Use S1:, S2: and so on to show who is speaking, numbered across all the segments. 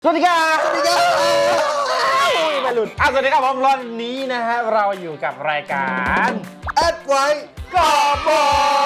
S1: สวัสดีครับสวัสดีครับไม่หลุดสวัสดีครับผมรอนนี้นะฮะเราอยู่กับรายการ
S2: แอดไว้กอบอ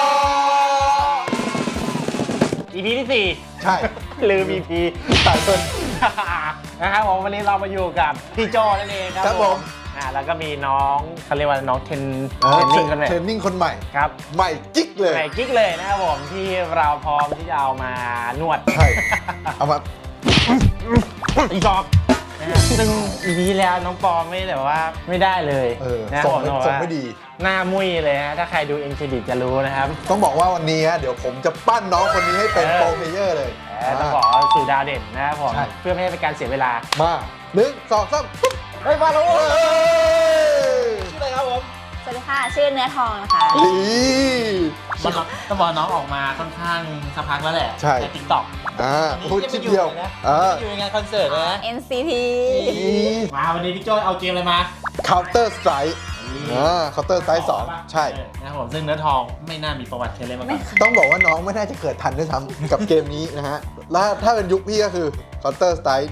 S1: EP ที่4
S2: ใช่
S1: ลืม EP
S2: สายคน
S1: นะครับผมวันนี้เรามาอยู่กับพี่โจนั่นเองครับผมแล้วก็มีน้องเขาเรียกว่าน้องเทรนนิ่งคนใหม่
S2: เทรนนิ่งคนใหม่
S1: ครับ
S2: ใหม่กิ๊กเลย
S1: ใหม่กิ๊กเลยนะครับผมที่เราพร้อมที่จะเอามานวด
S2: ใช่เอามา
S1: อีกอบซึ่ง EP ที่แล้วน้องปอไม่แบบว่าไม่ได้เลยนะ
S2: ส่
S1: ผ
S2: ง
S1: มบอก
S2: ส่ง
S1: ว่า
S2: ไม่ดี
S1: หน้ามุ้ยเลยฮะถ้าใครดูเอ็นเครดิตจะรู้นะครับ
S2: ต้องบอกว่าวันนี้เดี๋ยวผมจะปั้นน้องคนนี้ให้เป็นโปรเพลเยอร์เลย
S1: ต้องขอสู่ดาวเด่นนะครับผม
S2: ใช่
S1: เพื่อไม่ให้เป็นการเสียเวลา
S2: มา1 2 3ปุ๊บ
S1: เฮ้ยมาแล้ว
S2: เฮ้ย
S1: ชื่ออะไรครับผม
S3: สวัสดีค่ะ ชื่อเนื้อทองนะคะ
S2: นี่
S1: ต้องบอกน้องออกมาค่อนข้างสักพักแล้วแหละ
S2: ใช่
S1: ติ๊กต็อก
S2: พูดชิดเดียว
S1: อยู่ในงานคอนเสิร์ตนะ
S3: NCT
S1: มาวันนี้พี่โจเอาเกมอะไรมา
S2: Counter Strike Counter Strike 2 ใช่
S1: นะครับผมซึ่งเนื้อทองไม่น่ามีประวัติเคยเล่นมาก่อน
S2: ต้องบอกว่าน้องไม่น่าจะเกิดทันด้วยซ้ำกับเกมนี้นะฮะ แล้วถ้าเป็นยุคพี่ก็คือ Counter Strike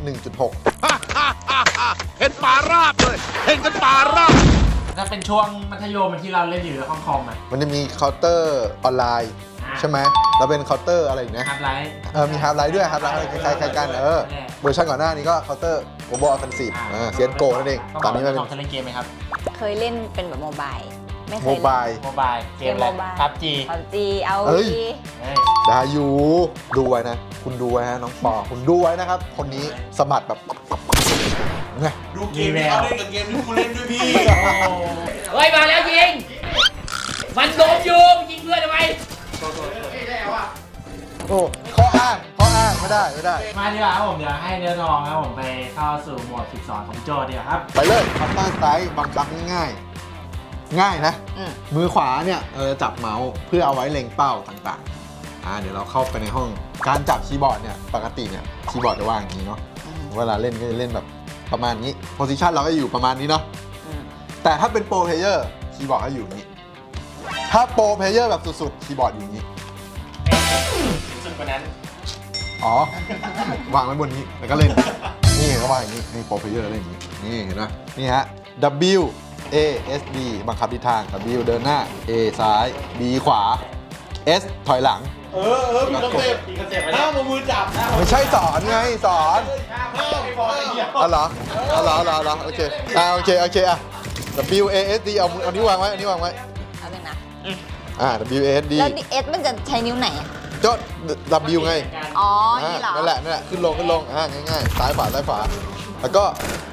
S2: 1.6
S4: เห็นป่าราบเลย เห็นกันป่าราบ
S1: ถ้าเป็นช่วงมัธยมที่เราเล่นอยู่ในห้องคอมอ่ะ
S2: มันจะมี Counter ออนไลน์ใช่ไหมแล้วเป็น Counter อะไรอีกนะ
S1: ฮาร์ดไลท์
S2: มี Half Life ด้วย Half Life อะไรคล้ายๆกันเวอร์ชันก่อนหน้านี้ก็ Counter Global Offensive เซียนโกนั่นเองตอนนี้มันเป็น
S1: ทองจะเล่นเกมไหมครับ
S3: เคยเล่นเป็นแบบโมบายไม่เค
S2: โม
S3: ย
S2: บาย
S1: โมบายเกมอะไรพับจี
S3: PUBG เอา
S2: เอ้ย
S3: ดี
S2: ได้อยู่ดูไว้นะ คุณดูไว้นะน้องปอคุณดูไว้นะครับ คนนี้สมัดแบบไง
S4: ดูเกมที่เขาเล่นกับเกมที่กูเล่นด้วยพี่
S5: เฮ้ยมาแล้วยิง มันโดนอยู่ยิงเพื่อนทำไม
S2: โอ้ข้ออ้างไม่ได้
S1: มาดีกว่าครับผมเดี๋ยวให้เนื้อทองครับผมไปเข้าสู่โหมดฝึกสอนของโจดีกว่าครับ
S2: ไปเลยคัตเตอร์ไซส์บังคับง่ายนะ มือขวาเนี่ยจับเมาส์เพื่อเอาไว้เล็งเป้าต่างๆเดี๋ยวเราเข้าไปในห้องการจับคีย์บอร์ดเนี่ยปกติเนี่ยคีย์บอร์ดจะวางอย่างนี้เนาะเวลาเล่นก็จะเล่นแบบประมาณนี้โพซิชันเราก็อยู่ประมาณนี้เนาะแต่ถ้าเป็นโปรเพลเยอร์คีย์บอร์ดก็อยู่อย่างนี้ถ้าโปรเพลเยอร์แบบสุดๆคีย์บอร์ดอยู่อย่างนี้
S1: สุดกว่านั้น
S2: อ๋อ วางไว้บนนี้แล้วก็เล่น นี่เขาวางอย่างนี้นี่โปรเพลเยอร์เล่นอย่างนี้นี่เห็นไหมนี่ฮะ W A S D บังคับทิศทาง W เดินหน้า A ซ้าย B ขวา S ถอยหลัง
S4: มีคอนเซ็ปต์ห้ามเอามือจับนะ
S2: ไม่ใช่สอนไงสอน
S4: ห้ามบอกไอ้เหี้ย
S2: อ๋อเหรอโอเคโอเคW A S D เอานิ้ววางไว้เอานิ้ววางไว้
S3: เอาเป็นนะ
S2: W A S D
S3: แล้ว S มันจะใช้นิ้วไหนอะ
S2: ก็ W ไง
S3: อ๋อ นี่เหรอ
S2: นั่นแหละขึ้นลงง่ายๆซ้ายขวาแล้วก็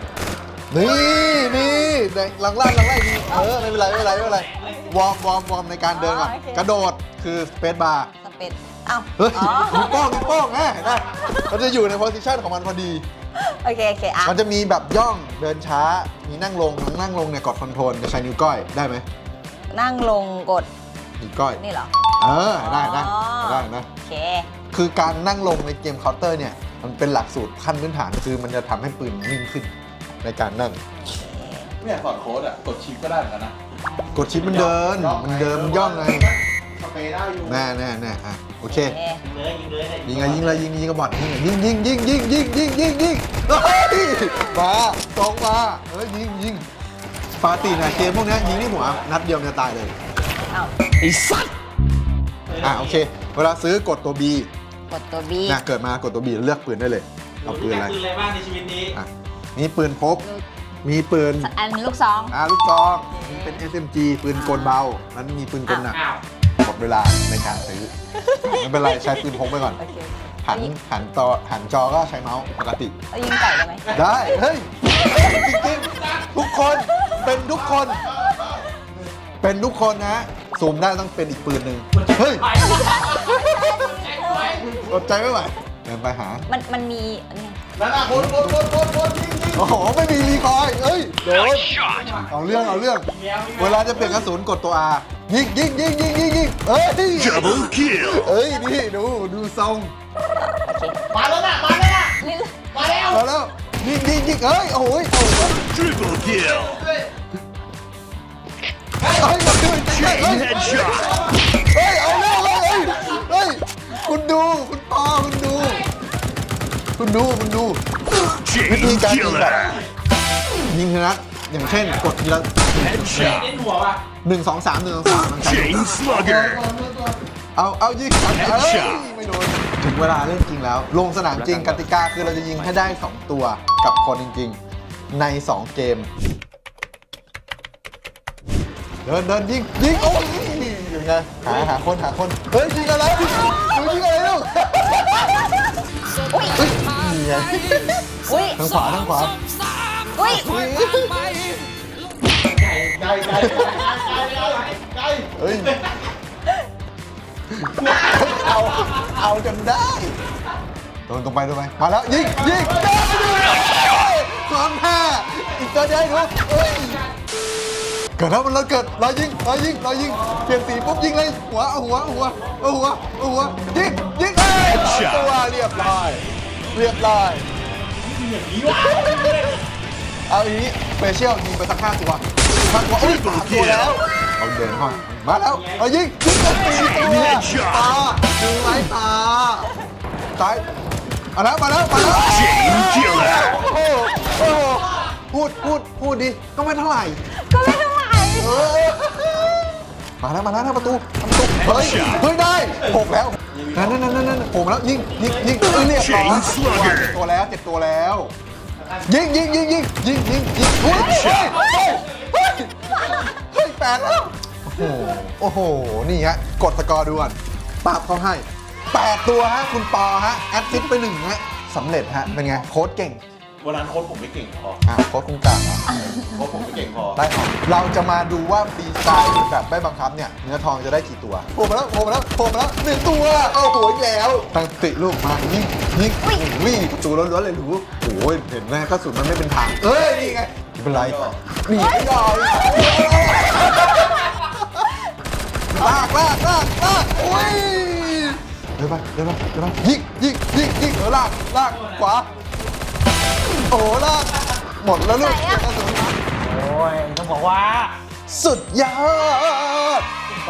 S2: นี่หลังล่างนี่ไม่เป็นไรวอร์มในการเดินก่อนกระโดดคือสเปซบาร์
S3: สเปซอ้าว
S2: เฮ้ย
S3: อ๋อ
S2: นิ้วโป้งเห็นไหมมันจะอยู่ในโพสิชันของมันพอดี
S3: โอเคอ่ะ
S2: มันจะมีแบบย่องเดินช้ามีนั่งลงเนี่ยกดคอนโทรลจะใช้นิ้วก้อยได้ไหม
S3: นั่งลงกด
S2: นิ้วก้อย
S3: นี่เหรอ
S2: ได้นะ
S3: โอเค
S2: คือการนั่งลงในเกมเคาน์เตอร์เนี่ยมันเป็นหลักสูตรขั้นพื้นฐานคือมันจะทำให้ปืนนิ่งขึ้นในการนั่ง
S4: เนี่ยสอนโค้ดอ่ะ กดชิปก็ได้เหมือนกันนะ
S2: กดชิปมันเดินมันย่องไง
S4: สเปรย์ได้อยู่
S2: แน่โอเค
S3: โอเค
S1: ยิงเลย
S2: ยิงกระบอกยิงเฮ้ยมาตรงมายิงปกตินะเกมพวกนี้ยิงที่หัวนัดเดียวมันจะตายเลย
S3: เอ้า
S1: ไอ้สัตว์
S2: โอเคเวลาซื้อกดตัว B
S3: กดตัว B
S2: เกิดมากดตัว B เลือกปืนได้เลยเอาปืนอะไร
S1: ปืนอะไรบ้างในชีวิตนี้
S2: มีปืนพกมีปืน
S3: อันลูกซอง
S2: ลูกซองมีเป็น SMG ปืนกลเบาแล้วมีปืนกลหนัก
S1: อ้าว
S2: หมดเวลาในการซื้อไม่เป็นไรใช้ปืนพกไปก่อน
S3: โอเค
S2: หันจอก็ใช้เมาส์ปกติ
S3: เอายิงไก่ได้ไหม
S2: ได้เฮ้ยจริงๆทุกคนเป็นทุกคนนะซูมได้ต้องเป็นอีกปืนหนึ่งเฮ้ยอดใจไม่ไหวเดินไปหา
S3: มันมีอันนี้
S4: นั่นน่ะคนยิง
S2: โอ้โหไม่มีรีคอยล์เอ้ยโดนเอาเรื่องเวลาจะเปลี่ยนกระสุนกดตัว R ยิงเอ้ย
S4: Double kill
S2: เอ้ยนี่ดูทรง
S4: มาแล้วน่ะ
S3: นี่
S4: มาแล้ว
S2: มาแล้วยิงเอ้ยโอ้ย
S4: Triple kill
S2: เฮ้ยมาดู
S4: Chain headshot
S2: เฮ้ยเอาเรื่องเฮ้ยคุณดูคุณปอคุณดูวิธี
S4: Chain
S2: การยิงแบบ
S4: killer.
S2: ยิงนะอย่างเช่นกดทีละ
S4: Headshot.
S1: เล่นหัวว่ะ
S2: 1 2 3 1 2 3มันใช้
S4: Chain slugger.
S2: เอายิงเอ้ย
S4: Headshot
S2: ไม่โดนถึงเวลาเล่นจริงแล้ว ลงสนามจริงกติกาคือเราจะยิงให้ได้ 2 ตัวกับคนจริงๆ ใน 2 เกม เดินยิงโอ้ยยังไงหาคนเฮ้ยยิงอะไรยิงอะไรลูก
S3: อุ้ย
S2: นี่ไง
S3: อุ้ย
S2: ทางขวา
S3: อุ้ย
S4: ไกล
S2: เฮ้ยเอาจนได้โดนตรงไปมาแล้วยิงความแพ้อีกตัวเดียวดูเฮ้ยเกิดแล้วมันเกิดรอยิงเปลี่ยนสีปุ๊บยิงเลยหัวยิงตัวเรียบร้อยเอาอีนี้สเปเชียลยิงไปสัก5 ตัวโอ้ย3 ตัวแล้วเอาเดินเข้ามาแล้วเอายิงกัน4 ตัวตาดึงไม้ตาซ้ายมาแล้ว
S4: Chain killer.
S2: โอ้โหพูดดิก็ไม่เท่าไหร่
S3: ก็ไม่เท่าไหร่
S2: มาแล้วทางประตูเฮ้ยได้6แล้วนั่นโผล่มาแล้วยิงเรียบร้อย
S4: Chain slugger.
S2: 7 ตัวแล้วยิงเฮ้ย8แล้วโอ้โหนี่ฮะกดสกอร์ด่วนปราบเขาให้8 ตัวฮะคุณปอฮะแอดซิสไป1ฮะสำเร็จฮะเป็นไงโค้ดเก่ง
S6: วันนั้นโค้ชผมไม่เก่งพอ
S2: โค้ดคุณกลางเหรอ
S6: โค้ชผมไม่เก่งพอ
S2: ได้ครับเราจะมาดูว่าฟรีสไตล์แบบไม่บังคับเนี่ยเนื้อทองจะได้กี่ตัวโผล่มาแล้ว1 ตัวโอ้โหอีกแล้วตั้งสติลูกมายิงวิ่งประตูล้วนๆเลยหนูโอ้ยเห็นไหมกระสุนมันไม่เป็นทางเอ้ยนี่ไงไม่เป็นไรหนีไม่ได้ลากโอ้ยเดินไปยิงลากขวาโอ้ลากหมดแล้วลูกกระสุน
S1: โอ้ยต้องบอกว่า
S2: สุดยอด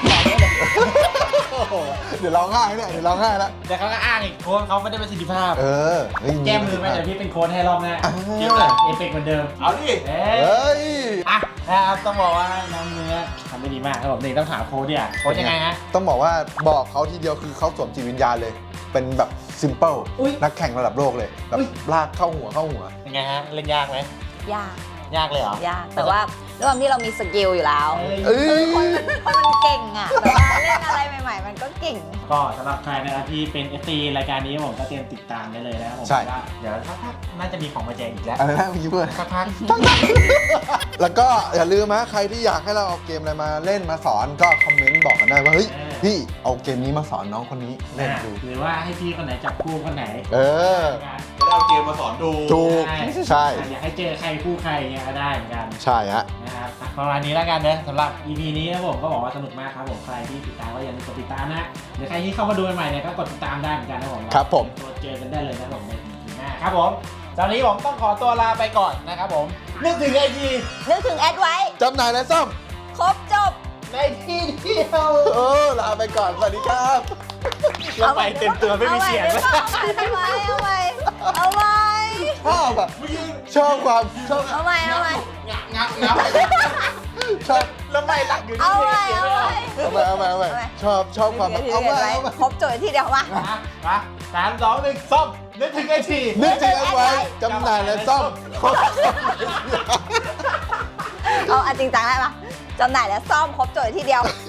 S2: เดี๋ยวร้องไห้แล้ว
S1: แต่เขาก็อ้างอีกโค้ชเขาไม่ได้ประสิทธิภาพ
S2: เฮ้ย
S1: แก้มือไหมเดี๋ยวพี่เป็นโค้ชให้รอบหน้า
S2: อ่า
S1: เก็บเลยเอฟเฟกต์เหมือนเดิม
S6: เอาดิ
S1: เอ้
S2: เฮ้
S1: ย
S2: ย
S1: อ่ะนะครับต้องบอกว่าน้องเนื้อทำได้ดีมากครับผมนี่ต้องถามโค้ชเนี่ยโค้ชยังไงฮะ
S2: ต้องบอกว่าบอกเขาทีเดียวคือเขาสวมจิตวิญญาณเลย เป็นแบบซิมเปิล
S1: อุ๊ย
S2: นักแข่งระดับโลกเลยแบบ
S1: อุ๊ย
S2: ลากเข้าหัว
S1: ยังไงฮะเล่นยากไหม
S3: ยาก
S1: ยากเลยเหรอย
S3: ากแต่ว่าด้วยความที่เรามีสกิลอยู่แล้ว
S2: เอ้ย
S3: คนมันเก่งอ่ะแต่ว่าเล่นอะไรใหม่ๆ มันก็เก่ง
S1: ก็สำหรับใครนะครับที่เป็น FT รายการนี้ผมก็เตรียมติดตามได้เลยนะครับผม
S2: ใช่
S1: ว่าเดี๋ยวสักพักน่าจะมีของมาแจกอีกแล้ว
S2: อะไรนะเมื่อกี้เพื่อน
S1: สักพัก
S2: แล้วก็อย่าลืมนะใครที่อยากให้เราเอาเกมอะไรมาเล่นมาสอนก็คอมเมนต์บอกกันได้ว่าเฮ้ยพี่เอาเกมนี้มาสอนน้องคนนี้เล่นดู
S1: หรือว่าให้พี่คนไหนจับคู่คนไหน
S2: เออ
S6: จะได้เอาเกมมาสอนดู
S2: ถูกใช่
S1: อยากให้เจอใครคู่ใครอย่างเงี้ยก็ได้เหมือนกัน
S2: ใช่ฮะ
S1: นะครับประมาณนี้แล้วกันนะสำหรับ EP นี้นะผมก็บอกว่าสนุกมากครับผมใครที่ติดตามก็อย่าลืมกดติดตามนะหรือใครที่เข้ามาดูใหม่ๆเนี่ยก็กดติดตามได้เหมือนกันนะผม
S2: ครับผม
S1: ตัวเจอกันได้เลยนะผมใน EP หน้าครับผมตอนนี้ผมต้องขอตัวลาไปก่อนนะครับผมนึกถึงไอที
S3: นึกถึงแอดไว้
S2: จำหน่ายและซ่อม
S3: ครบจบ
S1: ในที่เดียว
S2: ลาไปก่อน สวัสดีครับ
S1: เราไปเต็มตัวไม่มีเสียง
S3: เอาใหม่ชอบอ่ะ
S2: ชอบความชอบ
S3: เอาใหม่
S1: งับ
S2: ชอบ
S1: แล้วไม่หลักอยู่ที่
S3: เอา
S1: เสี
S3: ใหม่
S1: ยง
S2: เอาไปชอบความแบบเอาไป
S3: ครบจบที่เดียวมา
S1: มา3 2 1ซ่อมนึกถึงไอที
S2: นึกถึงเอาไว้จำหน่ายและซ่อม
S3: เอาจริงจังได้ปะจำหน่ายและซ่อมครบจบที่เดียว